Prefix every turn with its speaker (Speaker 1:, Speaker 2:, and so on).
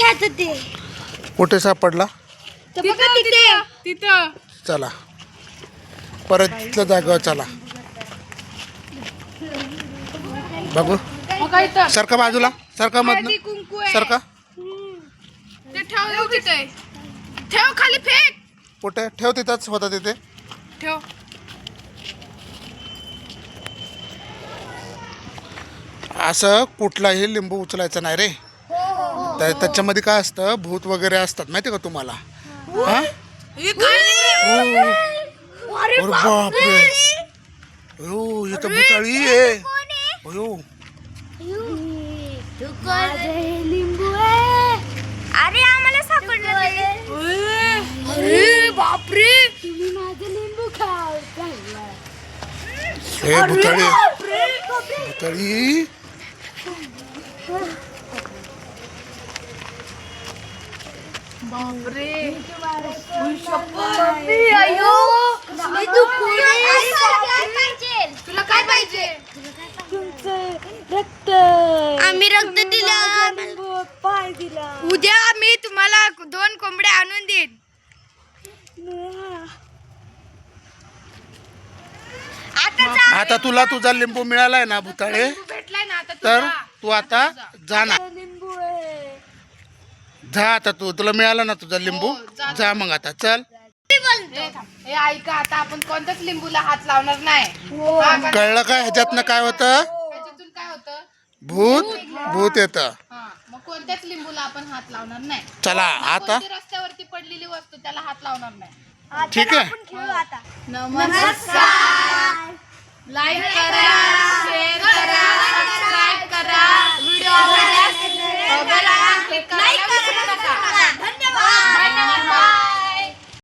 Speaker 1: आता ते
Speaker 2: कुठे सापडला?
Speaker 1: तिथं
Speaker 2: चला परत तिथल्या जागेवर चला बघू. सरका बाजूला, सरका मधनं, सरका.
Speaker 1: ठेव खाली फेक.
Speaker 2: कुठे ठेव? तिथंच होता तिथे
Speaker 1: ठेव.
Speaker 2: असं कुठलाही लिंबू उचलायचं नाही रे. त्याच्यामध्ये काय असतं, भूत वगैरे असतात माहिती का तुम्हाला? हा? अरे बापरे, हो इथं भुताळी आहे. अयो
Speaker 1: लिंबू आहे. अरे आम्हाला सापडलं. अरे बापरे, तुम्ही माझं लिंबू खाऊ.
Speaker 2: हे भुताळी, भुताळी.
Speaker 1: बापरे, तुला काय पाहिजे?
Speaker 3: रक्त.
Speaker 1: आम्ही रक्त दिलं,
Speaker 3: पाय दिला.
Speaker 1: उद्या मी तुम्हाला 2 कोंबड्या आणून देईन.
Speaker 2: आता तुला तुझा लिंबू मिळालाय ना भुताळे,
Speaker 1: भेटलाय ना आता
Speaker 2: तर तू आता जा ना.
Speaker 3: लिंबू आहे.
Speaker 2: जा आता, तुला मिळाला ना तुझा लिंबू, जा मग आता चल.
Speaker 1: हे ऐका, आता आपण कोणत्याच लिंबूला हात लावणार नाही.
Speaker 2: कळलं का? ह्याच्यातनं काय होतं?
Speaker 1: त्याच्यातून काय होतं?
Speaker 2: भूत भूत येतं.
Speaker 1: मग कोणत्याच लिंबूला आपण हात लावणार नाही.
Speaker 2: चला आता
Speaker 1: कोणती रस्त्यावरती पडलेली वस्तू त्याला हात लावणार नाही.
Speaker 2: ठीक आहे.
Speaker 3: खेळू आता.
Speaker 1: नमस्कार. लाईक करा, शेअर करा.